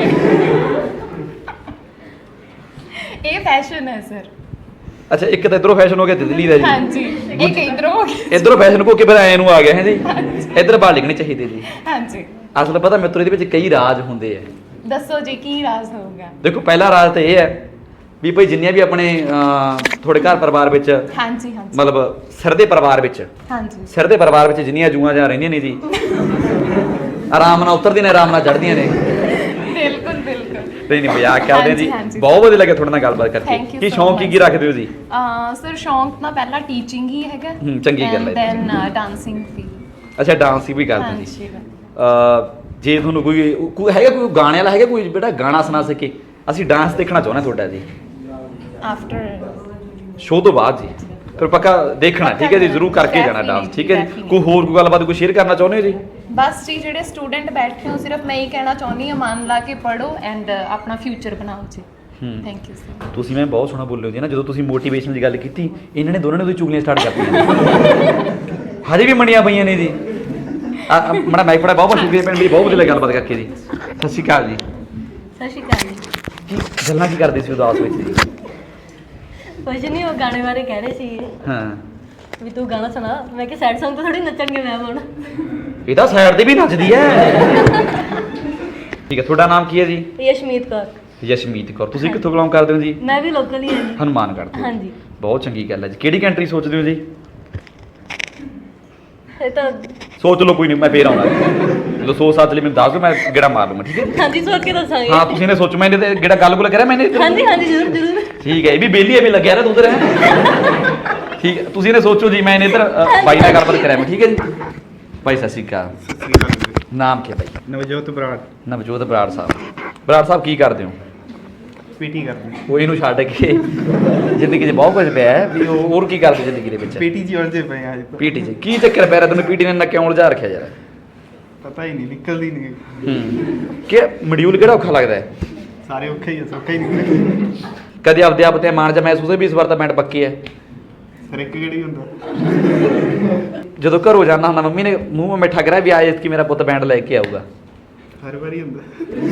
[SPEAKER 1] ਇਹ ਫੈਸ਼ਨ ਹੈ ਸਰ।
[SPEAKER 3] ਅੱਛਾ ਇੱਕ ਤਾਂ ਇਧਰੋਂ ਫੈਸ਼ਨ ਹੋ ਗਿਆ ਤਿਤਲੀ ਦਾ ਜੀ।
[SPEAKER 1] ਹਾਂਜੀ, ਇੱਕ ਇਧਰੋਂ ਹੋ ਗਿਆ।
[SPEAKER 3] ਇਧਰੋਂ ਫੈਸ਼ਨ ਕੋ ਕੇ ਫਿਰ ਐ ਨੂੰ ਆ ਗਿਆ ਹੈ ਜੀ। ਇੱਧਰ ਵਾਲ ਡਿੱਗਣੇ ਚਾਹੀਦੇ ਜੀ।
[SPEAKER 1] ਹਾਂਜੀ।
[SPEAKER 3] ਅਸਲ ਪਤਾ ਮਿੱਤਰੋ ਇਹਦੇ ਵਿੱਚ ਕਈ ਰਾਜ ਹੁੰਦੇ ਆ।
[SPEAKER 1] ਦੱਸੋ ਜੀ ਕੀ ਰਾਜ਼ ਹੋਊਗਾ?
[SPEAKER 3] ਦੇਖੋ ਪਹਿਲਾ ਰਾਜ ਤਾਂ ਇਹ ਹੈ ਵੀ ਭਾਈ ਜਿੰਨੀਆਂ ਵੀ ਆਪਣੇ ਤੁਹਾਡੇ ਘਰ ਪਰਿਵਾਰ ਵਿੱਚ,
[SPEAKER 1] ਹਾਂਜੀ ਹਾਂਜੀ,
[SPEAKER 3] ਮਤਲਬ ਸਿਰ ਦੇ ਪਰਿਵਾਰ ਵਿੱਚ,
[SPEAKER 1] ਹਾਂਜੀ
[SPEAKER 3] ਸਿਰ ਦੇ ਪਰਿਵਾਰ ਵਿੱਚ ਜਿੰਨੀਆਂ ਜੂਆਂ ਜਾਂ ਰਹਿੰਦੀਆਂ ਨੇ ਜੀ, ਆਰਾਮ ਨਾਲ ਉਤਰਦੀਆਂ ਨੇ, ਆਰਾਮ ਨਾਲ ਚੜ੍ਹਦੀਆਂ ਨੇ।
[SPEAKER 1] ਬਿਲਕੁਲ ਬਿਲਕੁਲ।
[SPEAKER 3] ਨਹੀਂ ਮਜ਼ਾਕ ਕਰਦੇ ਆ ਜੀ।
[SPEAKER 1] ਹਾਂਜੀ।
[SPEAKER 3] ਬਹੁਤ ਵਧੀਆ ਲੱਗਿਆ ਤੁਹਾਡੇ ਨਾਲ ਗੱਲਬਾਤ
[SPEAKER 1] Thank
[SPEAKER 3] ਕਰਕੇ।
[SPEAKER 1] you
[SPEAKER 3] ਕੀ
[SPEAKER 1] so
[SPEAKER 3] ਸ਼ੌਂਕ ਕੀ ਰੱਖਦੇ ਹੋ ਜੀ?
[SPEAKER 1] ਸਰ ਸ਼ੌਂਕ ਤਾਂ ਪਹਿਲਾਂ ਟੀਚਿੰਗ ਹੀ ਹੈਗਾ।
[SPEAKER 3] ਚੰਗੀ ਗੱਲ ਹੈ।
[SPEAKER 1] ਦੈਨ ਡਾਂਸਿੰਗ ਵੀ।
[SPEAKER 3] ਅੱਛਾ ਡਾਂਸ ਵੀ ਕਰਦੇ ਜੀ?
[SPEAKER 1] ਹਾਂਜੀ।
[SPEAKER 3] ਜੇ ਤੁਹਾਨੂੰ ਕੋਈ ਹੈਗਾ ਕੋਈ ਗਾਣੇ ਵਾਲਾ ਹੈਗਾ ਕੋਈ ਬੇਟਾ ਗਾਣਾ ਸੁਣਾ ਸਕੇ, ਅਸੀਂ ਡਾਂਸ ਦੇਖਣਾ ਚਾਹੁੰਦੇ ਤੁਹਾਡਾ ਜੀ
[SPEAKER 1] ਆਫਟਰ
[SPEAKER 3] ਸ਼ੋਅ ਤੋਂ ਬਾਅਦ ਜੀ। ਫਿਰ ਪੱਕਾ ਦੇਖਣਾ, ਠੀਕ ਹੈ ਜੀ, ਜ਼ਰੂਰ ਕਰਕੇ ਜਾਣਾ ਡਾਂਸ, ਠੀਕ ਹੈ ਜੀ। ਕੋਈ ਹੋਰ ਕੋਈ ਗੱਲਬਾਤ ਕੋਈ ਸ਼ੇਅਰ ਕਰਨਾ ਚਾਹੁੰਦੇ ਹੋ ਜੀ?
[SPEAKER 1] ਬਸ ਜੀ, ਜਿਹੜੇ ਸਟੂਡੈਂਟ ਬੈਠੇ ਹੋ, ਸਿਰਫ ਮੈਂ ਹੀ ਕਹਿਣਾ ਚਾਹੁੰਦੀ ਹਾਂ, ਮਨ ਲਾ ਕੇ ਪੜ੍ਹੋ ਐਂਡ ਆਪਣਾ ਫਿਊਚਰ ਬਣਾਓ ਜੀ। Thank you sir.
[SPEAKER 3] ਤੁਸੀਂ ਮੈਂ ਬਹੁਤ ਸੋਹਣਾ ਬੋਲੇ ਹੋ ਜੀ ਨਾ, ਜਦੋਂ ਤੁਸੀਂ ਮੋਟੀਵੇਸ਼ਨ ਦੀ ਗੱਲ ਕੀਤੀ, ਇਹਨਾਂ ਨੇ ਦੋਨਾਂ ਨੇ ਉਹਦੀ ਚੁਗਲੀਆਂ ਸਟਾਰਟ ਕਰਤੀਆਂ, ਹਜੇ ਵੀ ਮੰਡੀਆਂ ਪਈਆਂ ਨੇ ਜੀ। ਮੜਾ ਮਾਈਕ ਫੜਾ, ਬਹੁਤ ਬਹੁਤ ਸ਼ੁਕਰੀਆ ਭੈਣ ਮੇਰੀ, ਬਹੁਤ ਵਧੀਆ ਲੱਗਾ ਗੱਲਬਾਤ ਕਰਕੇ ਜੀ। ਸਤਿ ਸ਼੍ਰੀ ਅਕਾਲ ਜੀ।
[SPEAKER 4] ਸਤਿ ਸ਼੍ਰੀ ਅਕਾਲ ਜੀ।
[SPEAKER 3] ਕੀ ਗੱਲਾਂ ਕੀ ਕਰਦੇ ਸੀ ਉਦਾਸ ਵਿੱਚ ਜੀ?
[SPEAKER 4] ਕੁਝ ਨਹੀਂ, ਉਹ ਗਾਣੇ ਬਾਰੇ ਕਹਿ ਰਹੇ ਸੀ
[SPEAKER 3] ਹਾਂ,
[SPEAKER 4] ਵੀ ਤੂੰ ਗਾਣਾ ਸੁਣਾ। ਮੈਂ ਕਿਹਾ ਸੈਡ Song ਤਾਂ ਥੋੜੀ ਨੱਚਣਗੇ ਮੈਮ ਹੁਣ।
[SPEAKER 3] ਇਹ ਤਾਂ ਸਾਈਡ ਤੇ ਵੀ ਨੱਚਦੀ ਹੈ। ਠੀਕ ਹੈ, ਤੁਹਾਡਾ ਨਾਮ ਕੀ ਹੈ ਜੀ?
[SPEAKER 4] ਯਸ਼ਮੀਤ ਕੌਰ।
[SPEAKER 3] ਯਸ਼ਮੀਤ ਕੌਰ। ਤੁਸੀਂ ਕਿੱਥੋਂ ਬਿਲੋਂਗ ਕਰਦੇ ਹੋ ਜੀ?
[SPEAKER 4] ਮੈਂ ਵੀ ਲੋਕਲ ਹੀ ਹਾਂ ਜੀ।
[SPEAKER 3] ਹਨੂੰਮਾਨਗੜ੍ਹ ਤੋਂ।
[SPEAKER 4] ਹਾਂਜੀ।
[SPEAKER 3] ਬਹੁਤ ਚੰਗੀ ਗੱਲ ਹੈ ਜੀ। ਕਿਹੜੀ ਕੰਟਰੀ ਸੋਚਦੇ ਹੋ ਜੀ?
[SPEAKER 4] ਇਹ ਤਾਂ
[SPEAKER 3] ਸੋਚ ਲਓ, ਕੋਈ ਨਹੀਂ, ਮੈਂ ਫੇਰ ਆਉਣਾ ਜਦੋਂ ਸੋਚ ਸਾਚ ਲਈ ਮੈਨੂੰ ਦੱਸ ਦਿਓ, ਮੈਂ ਗੇੜਾ ਮਾਰ ਲੂੰਗਾ, ਠੀਕ ਹੈ?
[SPEAKER 4] ਹਾਂਜੀ, ਸੋਚ ਕੇ ਦੱਸਾਂਗੇ।
[SPEAKER 3] ਹਾਂ, ਤੁਸੀਂ ਨੇ ਸੋਚੋ, ਮੈਨੇ ਤੇ ਗੇੜਾ ਗੱਲ ਕਰਿਆ ਮੈਨੇ।
[SPEAKER 4] ਹਾਂਜੀ ਹਾਂਜੀ, ਜ਼ਰੂਰ ਜ਼ਰੂਰ।
[SPEAKER 3] ਠੀਕ ਹੈ, ਇਹ ਵੀ ਬੇਲੀ ਐਵੇਂ ਲੱਗਿਆ ਰਿਹਾ ਉਧਰ ਹੈ। ਠੀਕ ਹੈ, ਤੁਸੀਂ ਨੇ ਸੋਚੋ ਜੀ, ਮੈਂ ਇੱਧਰ ਬਾਈ ਨਾਲ ਗੱਲਬਾਤ ਕਰਿਆ ਮੈਂ, ਠੀਕ ਹੈ ਜੀ। ਭਾਈ ਸਤਿ ਸ਼੍ਰੀ ਅਕਾਲ।
[SPEAKER 2] ਸਤਿ ਸ੍ਰੀ ਅਕਾਲ ਜੀ।
[SPEAKER 3] ਨਾਮ ਕੀ ਹੈ ਭਾਈ?
[SPEAKER 2] ਨਵਜੋਤ ਬਰਾੜ।
[SPEAKER 3] ਨਵਜੋਤ ਬਰਾੜ ਸਾਹਿਬ। ਬਰਾੜ ਸਾਹਿਬ ਕੀ ਕਰਦੇ ਹੋ?
[SPEAKER 2] ਪੀਟੀ ਕਰਦੇ।
[SPEAKER 3] ਉਹ ਇਹਨੂੰ ਛੱਡ ਕੇ ਜ਼ਿੰਦਗੀ 'ਚ ਬਹੁਤ ਕੁਝ ਪਿਆ ਹੈ ਵੀ, ਉਹ ਹੋਰ ਕੀ ਕਰਦੇ ਜ਼ਿੰਦਗੀ ਦੇ ਵਿੱਚ?
[SPEAKER 2] ਪੀਟੀ ਜੀ ਉਲਝੇ ਪਏ ਆ ਅੱਜ ਤਾਂ।
[SPEAKER 3] ਪੀਟੀ 'ਚ ਕੀ ਚੱਕਰ ਪੈ ਰਿਹਾ ਤੈਨੂੰ? ਪੀਟੀ ਨੇ ਇੰਨਾ ਕਿਉਂ ਉਲਝਾ ਰੱਖਿਆ ਯਾਰ?
[SPEAKER 2] ਪਤਾ ਹੀ ਨਹੀਂ, ਨਿਕਲਦੀ ਨਹੀਂ।
[SPEAKER 3] ਕਿ ਮੋਡਿਊਲ ਕਿਹੜਾ ਔਖਾ ਲੱਗਦਾ ਹੈ?
[SPEAKER 2] ਸਾਰੇ ਔਖੇ ਹੀ ਆ, ਸੌਖਾ ਹੀ ਨਹੀਂ।
[SPEAKER 3] ਕਦੇ ਆਪਦੇ ਆਪ ਤੇ ਮਾਣ ਜਾਂ ਮਹਿਸੂਸ ਹੋਇਆ ਵੀ ਇਸ ਵਾਰ ਤਾਂ ਬੈਂਡ ਪੱਕੀ ਹੈ?
[SPEAKER 2] ਸਰ ਇੱਕ ਕਿਹੜੀ ਹੁੰਦਾ।
[SPEAKER 3] ਜਦੋਂ ਘਰੋਂ ਜਾਣਾ ਹੁੰਦਾ, ਮੰਮੀ ਨੇ ਮੂੰਹ ਮਿੱਠਾ ਕਰਿਆ ਵੀ ਅੱਜ ਕਿ ਮੇਰਾ ਪੁੱਤ ਬੈਂਡ ਲੈ ਕੇ ਆਊਗਾ?
[SPEAKER 2] ਹਰ ਵਾਰੀ ਹੁੰਦਾ।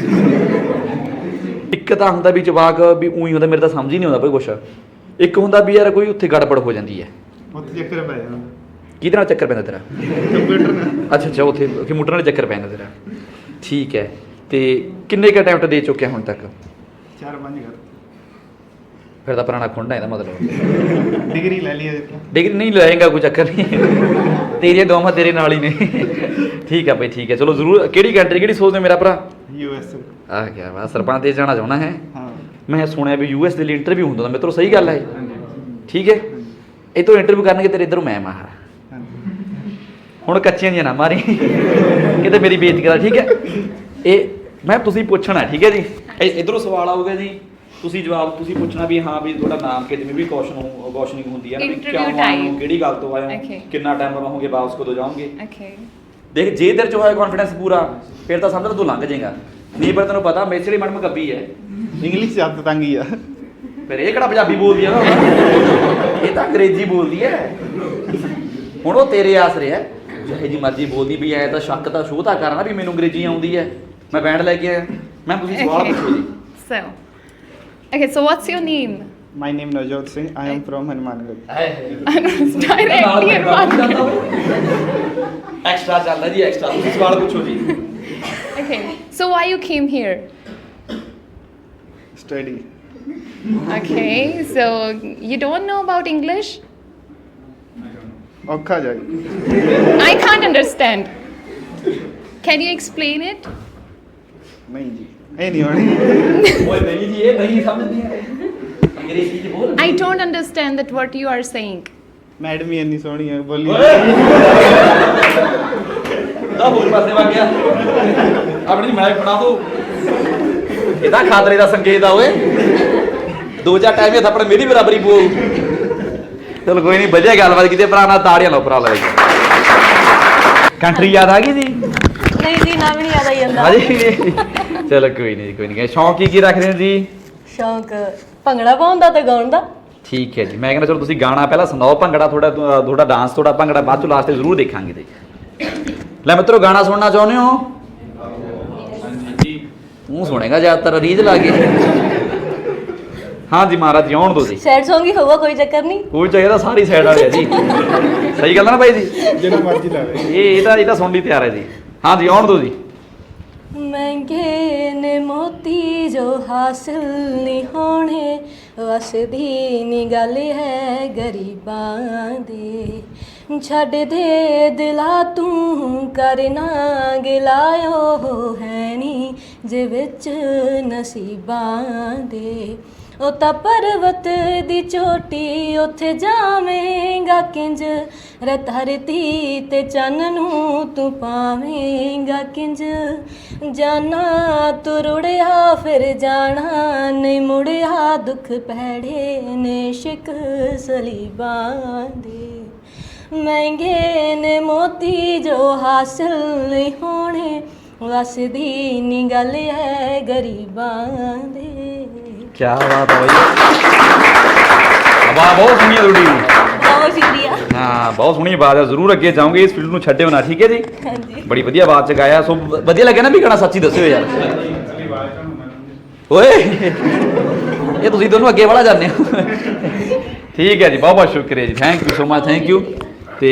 [SPEAKER 3] ਇੱਕ ਤਾਂ ਹੁੰਦਾ ਵੀ ਜਵਾਕ ਵੀ ਉਹੀ ਹੁੰਦਾ, ਮੇਰੇ ਤਾਂ ਸਮਝ ਹੀ ਨਹੀਂ ਆਉਂਦਾ ਕੋਈ ਕੁਛ। ਇੱਕ ਹੁੰਦਾ ਵੀ ਯਾਰ ਕੋਈ ਉੱਥੇ ਗੜਬੜ ਹੋ ਜਾਂਦੀ ਹੈ।
[SPEAKER 2] ਉੱਥੇ ਚੱਕਰ ਪੈ ਜਾਂਦਾ।
[SPEAKER 3] ਕਿਹਦੇ ਨਾਲ ਚੱਕਰ ਪੈਂਦਾ ਤੇਰਾ?
[SPEAKER 2] ਕੰਪਿਊਟਰ ਨਾਲ।
[SPEAKER 3] ਅੱਛਾ ਅੱਛਾ, ਉੱਥੇ ਕੰਪਿਊਟਰ ਨਾਲ ਚੱਕਰ ਪੈਂਦਾ ਤੇਰਾ। ਠੀਕ ਹੈ, ਤੇ ਕਿੰਨੇ ਕੁ ਅਟੈਂਪਟ ਦੇ ਚੁੱਕਿਆ ਹੁਣ ਤੱਕ?
[SPEAKER 2] 4-5 ਕਰ।
[SPEAKER 3] ਫਿਰ ਤਾਂ ਪੁਰਾਣਾ ਖੁੰਡਾ ਇਹਦਾ ਮਤਲਬ।
[SPEAKER 2] ਡਿਗਰੀ ਲੈ ਲਈ ਅਜੇ।
[SPEAKER 3] ਡਿਗਰੀ ਨਹੀਂ ਲਏਗਾ, ਕੋਈ ਚੱਕਰ ਨਹੀਂ, ਤੇਰੀਆਂ ਦੋਵਾਂ ਤੇਰੇ ਨਾਲ ਹੀ ਨੇ। ਠੀਕ ਆ ਬਈ, ਠੀਕ ਹੈ, ਚਲੋ ਜ਼ਰੂਰ। ਕਿਹੜੀ ਕੰਟਰੀ, ਕਿਹੜੀ ਸੋਚਦੇ ਮੇਰਾ ਭਰਾ?
[SPEAKER 2] US।
[SPEAKER 3] ਆਹ ਕਿਆ ਵਾ, ਸਰਪੰਚ ਦੇ ਜਾਣਾ ਚਾਹੁੰਦਾ ਹੈ?
[SPEAKER 2] ਹਾਂ।
[SPEAKER 3] ਮੈਂ ਸੁਣਿਆ ਵੀ US ਦੇ ਲਈ ਇੰਟਰਵਿਊ ਹੁੰਦਾ ਤਾਂ ਮਿੱਤਰੋ, ਸਹੀ ਗੱਲ ਹੈ? ਠੀਕ ਹੈ, ਇਹ ਤੋਂ ਇੰਟਰਵਿਊ ਕਰਨਗੇ ਤੇਰੇ ਇੱਧਰੋਂ ਮੈਂ ਮਾਰ। ਹੁਣ ਕੱਚੀਆਂ ਦੀਆਂ ਨਾ ਮਾਰੀ ਕਿਤੇ ਮੇਰੀ ਬੇਇੱਜ਼ਤੀ ਕਰਾ, ਠੀਕ ਹੈ? ਇਹ ਮੈਂ ਤੁਸੀਂ ਪੁੱਛਣਾ, ਠੀਕ ਹੈ ਜੀ? ਇੱਧਰੋਂ ਸਵਾਲ ਆਊਗਾ ਜੀ, ਤੁਸੀਂ ਜਵਾਬ ਤੁਸੀਂ ਪੁੱਛਣਾ ਵੀ ਹਾਂ ਵੀ ਤੁਹਾਡਾ ਨਾਮ ਕਿ ਜਿਵੇਂ ਵੀ ਕੁਐਸਚਨਿੰਗ ਹੁੰਦੀ ਹੈ ਨਾ, ਵੀ ਕਿਉਂ ਆਏ ਹੋ, ਕਿਹੜੀ ਗੱਲ ਤੋਂ ਆਏ ਹੋ, ਕਿੰਨਾ ਟਾਈਮ ਰਹੋਗੇ, ਵਾਪਸ ਕਦੋਂ ਜਾਓਗੇ। ਦੇਖ, ਜੇ ਤੇਰੇ ਚ ਹੋਇਆ ਕੌਨਫੀਡੈਂਸ ਪੂਰਾ, ਫਿਰ ਤਾਂ ਸਮਝ ਲੈ ਤੂੰ ਲੰਘ ਜਾਏਗਾ। ਨਹੀਂ ਪਰ ਤੈਨੂੰ ਪਤਾ ਮੇਰੀ ਮੈਡਮ ਗੱਬੀ ਹੈ,
[SPEAKER 2] ਇੰਗਲਿਸ਼ ਸ਼ਬਦ ਤੰਗ ਹੀ ਆ।
[SPEAKER 3] ਫਿਰ ਇਹ ਕਿਹੜਾ ਪੰਜਾਬੀ ਬੋਲਦੀ ਆ ਨਾ, ਇਹ ਤਾਂ ਅੰਗਰੇਜ਼ੀ ਬੋਲਦੀ ਹੈ। ਹੁਣ ਉਹ ਤੇਰੇ ਆਸਰੇ ਹੈ, ਜਿਹੇ ਜੀ ਮਰਜ਼ੀ ਬੋਲਦੀ ਵੀ ਐ ਤਾਂ ਸ਼ੱਕ ਤਾਂ ਸ਼ੋਅ ਤਾਂ ਕਰਨਾ ਵੀ ਮੈਨੂੰ ਅੰਗਰੇਜ਼ੀ ਆਉਂਦੀ ਹੈ, ਮੈਂ ਬੈਂਡ ਲੈ ਕੇ ਆਇਆ। ਮੈਂ ਤੁਸੀਂ ਸਵਾਲ ਪੁੱਛੋ ਜੀ।
[SPEAKER 1] So what's your name?
[SPEAKER 2] My name Navjot Singh. I am from Hanumangarh.
[SPEAKER 1] Directly Hanumangarh.
[SPEAKER 3] Extra ਚੱਲਦਾ ਜੀ, ਐਕਸਟਰਾ। ਤੁਸੀਂ ਸਵਾਲ ਪੁੱਛੋ ਜੀ।
[SPEAKER 1] Okay, so why you came here?
[SPEAKER 2] Study.
[SPEAKER 1] Okay, so you don't know about English?
[SPEAKER 2] ਔਖਾ ਜਾਈ।
[SPEAKER 1] I can't understand. Can you explain it?
[SPEAKER 2] ਨਹੀਂ ਜੀ, ਇਹ ਨਹੀਂ ਹੋਣੀ।
[SPEAKER 3] ਓਏ ਨਹੀਂ ਜੀ, ਇਹ ਨਹੀਂ ਸਮਝਦੀ ਹੈ ਅੰਗਰੇਜ਼ੀ ਚ ਬੋਲ।
[SPEAKER 1] I don't understand that what you are saying.
[SPEAKER 2] Madam ਹੀ ਇੰਨੀ ਸੋਹਣੀ ਹੈ, ਬੋਲੀ।
[SPEAKER 3] ਦਾ ਹੋਰ ਪਾਸੇ ਵਗ ਗਿਆ, ਆਪਣੀ ਮੈਂ ਫੜਾ ਦੋ। ਇਹਦਾ ਖਾਤਰੇ ਦਾ ਸੰਕੇਤ ਆ ਓਏ, ਦੋ ਚਾਰ ਟਾਈਮ ਇਹ ਥੱਪੜ ਮੇਰੀ ਬਰਾਬਰੀ ਬੋਲ। ਚਲ ਕੋਈ ਨਹੀਂ, ਵਧੀਆ ਗੱਲਬਾਤ ਕੀਤੀ ਭਰਾ ਨਾਲ, ਤਾੜੀਆਂ ਲਾਓ ਭਰਾ ਲੈ। ਕੰਟਰੀ ਯਾਦ ਆ ਗਈ ਜੀ?
[SPEAKER 4] ਨਹੀਂ ਜੀ, ਨਾ ਵੀ ਨਹੀਂ ਯਾਦ ਆਈ ਜਾਂਦਾ।
[SPEAKER 3] ਹਾਂਜੀ, ਚਲੋ ਕੋਈ ਨਹੀਂ, ਕੋਈ ਨਹੀਂ। ਸ਼ੌਂਕ ਕੀ ਰੱਖਦੇ ਹੋ ਜੀ?
[SPEAKER 4] ਸ਼ੌਂਕ ਭੰਗੜਾ ਪਾਉਣ ਦਾ ਤੇ ਗਾਉਣ ਦਾ।
[SPEAKER 3] ਠੀਕ ਹੈ ਜੀ, ਮੈਂ ਕਹਿੰਦਾ ਚਲੋ ਤੁਸੀਂ ਗਾਣਾ ਪਹਿਲਾਂ ਸੁਣਾਓ, ਭੰਗੜਾ ਤੁਹਾਡਾ ਡਾਂਸ, ਤੁਹਾਡਾ ਭੰਗੜਾ ਬਾਅਦ ਚੋਂ ਲਾਸਟ ਤੇ ਜ਼ਰੂਰ ਦੇਖਾਂਗੇ ਤੇ। ਲੈ ਮਿੱਤਰੋ, ਗਾਣਾ ਸੁਣਨਾ ਚਾਹੁੰਦੇ ਹੋ? ਹਾਂਜੀ। ਤੂੰ ਸੁਣੇਗਾ ਜ਼ਿਆਦਾਤਰ ਰੀਝ ਲਾ ਕੇ। ਹਾਂ ਜੀ ਮਹਾਰਾਜ ਜੀ, ਆਉਣ ਦੋ ਜੀ।
[SPEAKER 4] ਸੈਡ Song ਹੀ ਹੋਊਗਾ, ਕੋਈ ਚੱਕਰ ਨਹੀਂ।
[SPEAKER 3] ਕੋਈ ਚਾਹੀਦਾ, ਸਾਰੀ ਸਾਈਡ ਵਾਲੇ ਆ ਜੀ। ਸਹੀ ਗੱਲ ਹੈ ਨਾ ਬਾਈ ਜੀ?
[SPEAKER 2] ਜਿਹੜਾ ਮਰਜ਼ੀ ਲਾਵੇ।
[SPEAKER 3] ਇਹ ਤਾਂ ਸੁਣਨ ਲਈ ਤਿਆਰ ਹੈ ਜੀ। ਹਾਂ ਜੀ, ਆਉਣ ਦੋ ਜੀ।
[SPEAKER 4] ਮਹਿੰਗੇ ਨੇ ਮੋਤੀ ਜੋ ਹਾਸਿਲ ਨਹੀਂ ਹੋਣੇ, ਵਸਦੀ ਨੀ ਗੱਲ ਹੈ ਗਰੀਬਾਂ ਦੇ। ਛੱਡ ਦੇ ਦਿਲਾ ਤੂੰ ਕਰਨਾ ਗਿਲਾਇਓ ਹੈ ਨੀ ਜੇ ਵਿੱਚ ਨਸੀਬਾਂ ਦੇ। ਉਹ ਤਾਂ ਪਰਵਤ ਦੀ ਚੋਟੀ ਉੱਥੇ ਜਾਵੇਂਗਾ ਕਿੰਜ ਰੇ ਧਰਤੀ ਤੇ ਚੰਨ ਨੂੰ ਤੂੰ ਪਾਵੇਂਗਾ ਕਿੰਜ ਜਾਨਾ ਤੂੰ ਰੁੜਿਆ ਫਿਰ ਜਾਣਾ ਨਹੀਂ ਮੁੜਿਆ ਦੁੱਖ ਪੈੜੇ ਨੇ ਇਸ਼ਕ ਸਲੀਬਾਂ ਦੇ ਮਹਿੰਗੇ ਨੇ ਮੋਤੀ ਜੋ ਹਾਸਿਲ ਨਹੀਂ ਹੋਣੇ ਵਸਦੀ ਨੀ ਗੱਲ ਹੈ ਗਰੀਬਾਂ ਦੇ
[SPEAKER 3] ਕੀ ਬਾਤ ਹੈ ਬਾਈ ਆਵਾਜ਼ ਬਹੁਤ ਸੋਹਣੀ ਹੈ ਤੁਹਾਡੀ
[SPEAKER 4] ਬਹੁਤ ਸ਼ੁਕਰੀਆ
[SPEAKER 3] ਹਾਂ ਬਹੁਤ ਸੋਹਣੀ ਆਵਾਜ਼ ਹੈ ਜ਼ਰੂਰ ਅੱਗੇ ਜਾਓਗੇ ਇਸ ਫੀਲਡ ਨੂੰ ਛੱਡਿਓ ਨਾ ਠੀਕ ਹੈ ਜੀ
[SPEAKER 4] ਹਾਂਜੀ
[SPEAKER 3] ਬੜੀ ਵਧੀਆ ਆਵਾਜ਼ ਚ ਗਾਇਆ ਸੋ ਵਧੀਆ ਲੱਗਿਆ ਨਾ ਵੀ ਗਾਣਾ ਸੱਚੀ ਦੱਸਿਓ ਯਾਰ ਓਏ ਇਹ ਤੁਸੀਂ ਦੋਨੋਂ ਅੱਗੇ ਵਾਲਾ ਜਾਂਦੇ ਹੋ ਠੀਕ ਹੈ ਜੀ ਬਹੁਤ ਬਹੁਤ ਸ਼ੁਕਰੀਆ ਜੀ thank you so much thank you ਤੇ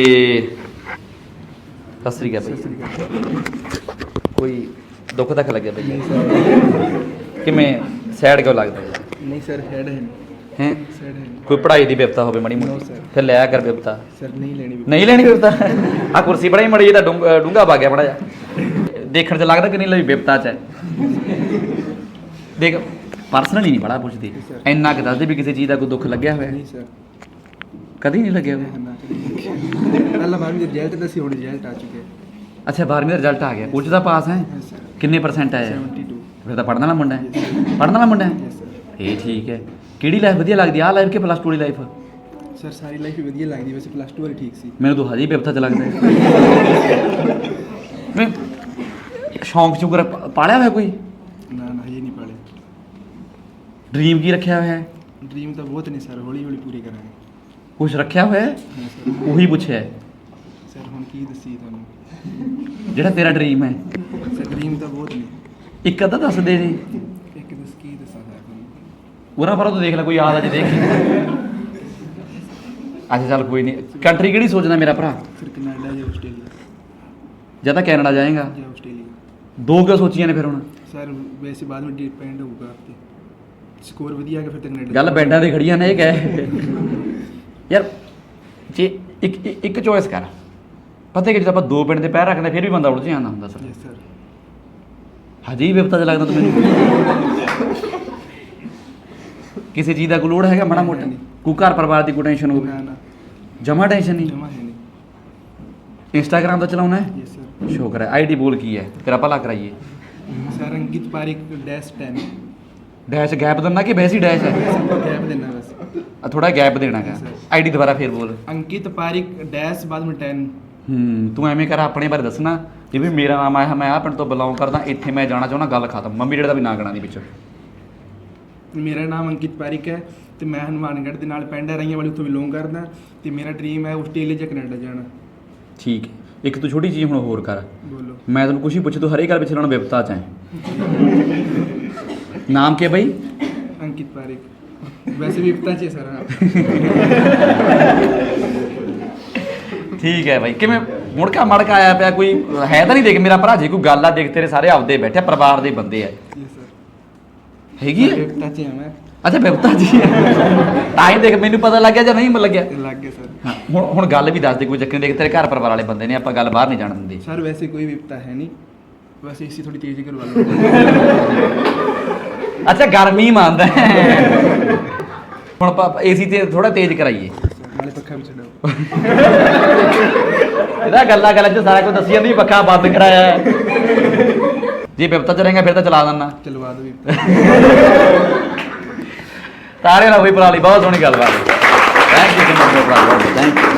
[SPEAKER 3] ਸਤਿ ਸ੍ਰੀ ਅਕਾਲ ਭਾਈ ਕੋਈ ਦੁੱਖ ਤੱਕ ਲੱਗਿਆ ਭਾਈ ਕਿਵੇਂ ਸੈਡ ਕਿਉਂ ਲੱਗਦਾ
[SPEAKER 5] ਨਹੀਂ ਸਰ ਹੈਡ ਹੈ
[SPEAKER 3] ਹੈ
[SPEAKER 5] ਸਰ ਹੈ
[SPEAKER 3] ਕੋਈ ਪੜ੍ਹਾਈ ਦੀ ਬਿਪਤਾ ਹੋਵੇ ਮਾੜੀ
[SPEAKER 5] No,
[SPEAKER 3] ਮੋਟੀ
[SPEAKER 5] sir.
[SPEAKER 3] ਫਿਰ ਲਿਆ ਕਰ ਬਿਪਤਾ
[SPEAKER 5] ਸਰ ਨਹੀਂ ਲੈਣੀ
[SPEAKER 3] ਨਹੀਂ ਲੈਣੀ ਬਿਪਤਾ ਆ ਕੁਰਸੀ ਬੜੀ ਮੜੀ ਤਾਂ ਡੂੰਗਾ ਪਾ ਗਿਆ ਮੜਾ ਜਾ ਦੇਖਣ ਚ ਲੱਗਦਾ ਕਿ ਨਹੀਂ ਲਈ ਬਿਪਤਾ ਚ ਹੈ ਦੇਖ ਪਰਸਨਲੀ ਨਹੀਂ ਬੜਾ ਪੁੱਛਦੀ ਇੰਨਾ ਕਿ ਦੱਸਦੇ ਵੀ ਕਿਸੇ ਚੀਜ਼ ਦਾ ਕੋਈ ਦੁੱਖ ਲੱਗਿਆ ਹੋਇਆ
[SPEAKER 5] ਨਹੀਂ ਸਰ
[SPEAKER 3] ਕਦੀ ਨਹੀਂ ਲੱਗਿਆ ਹੋਇਆ
[SPEAKER 5] ਨਾ ਪਹਿਲਾਂ ਬਾਅਦ ਵਿੱਚ ਰਿਜ਼ਲਟ ਦੱਸੀ ਹੁਣ ਰਿਜ਼ਲਟ ਆ ਚੁੱਕੇ
[SPEAKER 3] ਅੱਛਾ 12ਵੀਂ ਦਾ ਰਿਜ਼ਲਟ ਆ ਗਿਆ ਉੱਚ ਦਾ ਪਾਸ ਹੈ
[SPEAKER 5] ਹੈ ਸਰ
[SPEAKER 3] ਕਿੰਨੇ ਪਰਸੈਂਟ ਆਇਆ
[SPEAKER 5] 72
[SPEAKER 3] ਫਿਰ ਤਾਂ ਪੜ੍ਹਨ ਵਾਲਾ ਮੁੰਡਾ ਹੈ ਪੜ੍ਹਨ ਵਾਲਾ ਮੁੰਡਾ ਹੈ
[SPEAKER 5] ਯੈਸ ਸਰ
[SPEAKER 3] ਇਹ ਠੀਕ ਹੈ ਕਿਹੜੀ ਲਾਈਫ ਵਧੀਆ ਲੱਗਦੀ ਆ ਲਾਈਫ ਕਿ ਪਲੱਸ 2 ਵਾਲੀ ਲਾਈਫ
[SPEAKER 5] ਸਰ ਸਾਰੀ ਲਾਈਫ ਹੀ ਵਧੀਆ ਲੱਗਦੀ ਵੈਸੇ ਪਲੱਸ 2 ਵਾਲੀ ਠੀਕ ਸੀ
[SPEAKER 3] ਮੈਨੂੰ ਤਾਂ ਹਜੇ ਹੀ ਬਿਪਤਾ ਚ ਲੱਗਦਾ ਹੈ ਮੈਂ ਸ਼ੌਂਕ ਚੁਗਰ ਪਾਲਿਆ ਹੋਇਆ ਕੋਈ
[SPEAKER 5] ਨਾ ਨਾ ਇਹ ਨਹੀਂ ਪਾਲੇ
[SPEAKER 3] ਡ੍ਰੀਮ ਕੀ ਰੱਖਿਆ ਹੋਇਆ ਹੈ
[SPEAKER 5] ਡ੍ਰੀਮ ਤਾਂ ਬਹੁਤ ਨੇ ਸਰ ਹੌਲੀ ਹੌਲੀ ਪੂਰੇ ਕਰਾਂਗੇ
[SPEAKER 3] ਕੁਝ ਰੱਖਿਆ ਹੋਇਆ ਹੈ
[SPEAKER 5] ਹਾਂ ਸਰ
[SPEAKER 3] ਉਹੀ ਪੁੱਛਿਆ ਹੈ।
[SPEAKER 5] ਸਰ ਹੁਣ ਕੀ ਦੱਸੀ ਤੁਹਾਨੂੰ
[SPEAKER 3] ਜਿਹੜਾ ਤੇਰਾ ਡ੍ਰੀਮ ਹੈ
[SPEAKER 5] ਸਰ ਡ੍ਰੀਮ ਤਾਂ ਬਹੁਤ ਨੇ
[SPEAKER 3] ਇੱਕ ਅੱਧਾ ਦੱਸ ਦੇ ਜੀ
[SPEAKER 5] ਇੱਕ ਦੱਸ ਕੀ ਦੱਸਾਂ ਸਰ ਤੁਹਾਨੂੰ
[SPEAKER 3] ਉਹਨਾਂ ਪਰ ਤੂੰ ਦੇਖ ਲੈ ਕੋਈ ਯਾਦ ਆ ਜੇ ਦੇਖ ਅੱਛਾ ਚੱਲ ਕੋਈ ਨਹੀਂ ਕੰਟਰੀ ਕਿਹੜੀ ਸੋਚਦਾ ਮੇਰਾ ਭਰਾ
[SPEAKER 5] ਸਰ ਕੈਨੇਡਾ ਜਾਂ ਆਸਟ੍ਰੇਲੀਆ
[SPEAKER 3] ਜਾਂ ਤਾਂ ਕੈਨੇਡਾ ਜਾਏਗਾ
[SPEAKER 5] ਜਾਂ ਆਸਟ੍ਰੇਲੀਆ
[SPEAKER 3] ਦੋ ਕਿਉਂ ਸੋਚੀਆਂ ਨੇ ਫਿਰ ਹੁਣ
[SPEAKER 5] ਸਰ ਵੈਸੇ ਬਾਅਦ ਵਿੱਚ ਡਿਪੈਂਡ ਹੋਊਗਾ ਆਪਤੇ ਸਕੋਰ ਵਧੀਆ ਆ ਗਿਆ ਫਿਰ ਤਾਂ ਕੈਨੇਡਾ
[SPEAKER 3] ਗੱਲ ਬੈਂਡਾਂ ਤੇ ਖੜੀਆਂ ਨੇ ਇਹ ਕਹਿ ਯਾਰ ਜੇ ਇੱਕ ਚੋਇਸ ਕਰ ਪਤਾ ਕਿ ਜਦੋਂ ਆਪਾਂ ਦੋ ਪਿੰਡ ਦੇ ਪੈਰ ਰੱਖਦੇ ਫਿਰ ਵੀ ਬੰਦਾ ਉਲਝ ਜਾਂਦਾ ਹੁੰਦਾ ਸਰ
[SPEAKER 5] ਯੈਸ ਸਰ
[SPEAKER 3] ਹਜੇ ਹੀ ਵਿਪਤਾ ਚ ਲੱਗਦਾ ਤੂੰ ਮੈਨੂੰ ਕਿਸੇ ਚੀਜ਼ ਦਾ ਕੋਈ ਲੋੜ ਹੈਗਾ ਮਾੜਾ ਮੋਟਾ ਕੋਈ ਘਰ ਪਰਿਵਾਰ ਦੀ ਕੋਈ ਟੈਨਸ਼ਨ ਹੋਵੇ
[SPEAKER 5] ਨਾ ਨਾ
[SPEAKER 3] ਜਮਾ ਟੈਨਸ਼ਨ ਨਹੀਂ
[SPEAKER 5] ਜਮਾ ਹੈ ਨਹੀਂ
[SPEAKER 3] ਇੰਸਟਾਗ੍ਰਾਮ ਤਾਂ ਚਲਾਉਣਾ ਹੈ
[SPEAKER 5] ਯੈਸ ਸਰ
[SPEAKER 3] ਸ਼ੁਕਰ ਹੈ ਆਈਡੀ ਬੋਲ ਕੀ ਹੈ ਤੇਰਾ ਭਲਾ ਕਰਾਈਏ
[SPEAKER 5] sir Ankit Parik -10
[SPEAKER 3] dash gap ਦਿੰਦਾ ਕਿ ਵੈਸੇ ਹੀ ਡੈਸ਼ ਹੈ
[SPEAKER 5] ਗੈਪ ਦੇਣਾ ਬਸ
[SPEAKER 3] ਥੋੜਾ ਗੈਪ ਦੇਣਾ ਹੈਗਾ ਆਈਡੀ ਦੁਬਾਰਾ ਫੇਰ ਬੋਲ
[SPEAKER 5] ਅੰਕਿਤ ਪਾਰਿਕ ਡੈਸ਼ ਬਾਅਦ ਵਿੱਚ 10
[SPEAKER 3] ਤੂੰ ਐਵੇਂ ਕਰ ਆਪਣੇ ਬਾਰੇ ਦੱਸਣਾ ਕਿ ਵੀ ਮੇਰਾ ਨਾਮ ਆਇਆ ਮੈਂ ਆਹ ਪਿੰਡ ਤੋਂ ਬਿਲੋਂਗ ਕਰਦਾ ਇੱਥੇ ਮੈਂ ਜਾਣਾ ਚਾਹੁੰਦਾ ਗੱਲ ਖਤਮ ਮੰਮੀ ਡੈਡੀ ਦਾ ਵੀ ਨਾਂ ਗਣਾ ਦੀ ਵਿੱਚ
[SPEAKER 5] ਮੇਰਾ ਨਾਮ ਅੰਕਿਤ ਪਾਰਿਕ ਹੈ ਤੇ ਮੈਂ ਹਨੂੰਮਾਨਗੜ੍ਹ ਦੇ ਨਾਲ ਪਿੰਡ ਹੈ ਰਈਆਂ ਵਾਲੀ ਉੱਥੋਂ ਬਿਲੋਂਗ ਕਰਦਾ ਤੇ ਮੇਰਾ ਡ੍ਰੀਮ ਹੈ ਆਸਟ੍ਰੇਲੀਆ ਜਾਂ ਕੈਨੇਡਾ ਜਾਣਾ
[SPEAKER 3] ਠੀਕ ਹੈ ਇੱਕ ਤੂੰ ਛੋਟੀ ਚੀਜ਼ ਹੁਣ ਹੋਰ ਕਰ
[SPEAKER 5] ਬੋਲੋ
[SPEAKER 3] ਮੈਂ ਤੈਨੂੰ ਕੁਛ ਹੀ ਪੁੱਛੇ ਤੂੰ ਹਰੇ ਗੱਲ ਪਿੱਛੇ ਲਾਉਣਾ ਵਿਪਤਾ ਚ ਹੈ ਨਾਮ ਕੀ ਹੈ ਬਈ
[SPEAKER 5] ਅੰਕਿਤ ਪਾਰਿਕ ਵੈਸੇ ਵੀ ਪਤਾ ਚ ਸਰ
[SPEAKER 3] ਠੀਕ ਹੈ ਬਾਈ ਕਿਵੇਂ ਮੁੜਕਾ ਮੜਕਾ ਆਇਆ ਪਿਆ ਕੋਈ ਹੈ ਤਾਂ ਨਹੀਂ ਦੇਖ ਮੇਰਾ ਭਰਾ ਜੀ ਕੋਈ ਗੱਲ ਆ ਦੇਖ ਤੇਰੇ ਸਾਰੇ ਆਪਦੇ ਬੈਠੇ ਪਰਿਵਾਰ ਦੇ ਬੰਦੇ ਆ
[SPEAKER 5] ਯੈਸ ਸਰ
[SPEAKER 3] ਹੈਗੀ ਹੈ
[SPEAKER 5] ਪਤਾ ਚ ਮੈਂ
[SPEAKER 3] ਅੱਛਾ ਵਿਪਤਾ ਜੀ ਤਾਂ ਹੀ ਦੇਖ ਮੈਨੂੰ ਪਤਾ ਲੱਗਿਆ ਜਾਂ ਨਹੀਂ ਲੱਗਿਆ
[SPEAKER 5] ਲੱਗ ਗਿਆ ਸਰ
[SPEAKER 3] ਹਾਂ ਹੁਣ ਗੱਲ ਵੀ ਦੱਸ ਦੇ ਕੋਈ ਚੱਕਰ ਨਹੀਂ ਦੇਖ ਤੇਰੇ ਘਰ ਪਰਿਵਾਰ ਵਾਲੇ ਬੰਦੇ ਨੇ ਆਪਾਂ ਗੱਲ ਬਾਹਰ ਨਹੀਂ ਜਾਣ ਦਿੰਦੇ
[SPEAKER 5] ਸਰ ਵੈਸੇ ਕੋਈ ਵਿਪਤਾ ਹੈ ਨਹੀਂ ਬਸ ਏਸੀ ਥੋੜੀ ਤੇਜ਼ ਕਰਵਾ ਲਓ
[SPEAKER 3] ਅੱਛਾ ਗਰਮੀ ਮੰਨਦਾ ਹੁਣ ਆਪਾਂ ਏਸੀ ਤੇ ਥੋੜਾ ਤੇਜ਼ ਕਰਾਈਏ
[SPEAKER 5] ਨਾਲੇ ਪੱਖਾ ਵੀ ਛੱਡੋ
[SPEAKER 3] ਇਹਦਾ ਗੱਲਾਂ ਚ ਸਾਰਾ ਕੁਝ ਦੱਸੀ ਜਾਂਦੀ ਪੱਖਾ ਬੰਦ ਕਰਾਇਆ ਹੈ। ਜੇ ਬਿਪਤਾ ਚ ਰਹੇਗਾ ਫਿਰ ਤਾਂ ਚਲਾ ਦਿੰਨਾ
[SPEAKER 5] ਚਲਵਾ ਦਿਓ ਵਿਪਤਾ
[SPEAKER 3] ਤਾਰੇ ਨਾਲ ਹੋਈ ਭਰਾ ਲਈ ਬਹੁਤ ਸੋਹਣੀ ਗੱਲਬਾਤ ਥੈਂਕ ਯੂ ਸੋ ਮਚ ਭਰਾ ਥੈਂਕ ਯੂ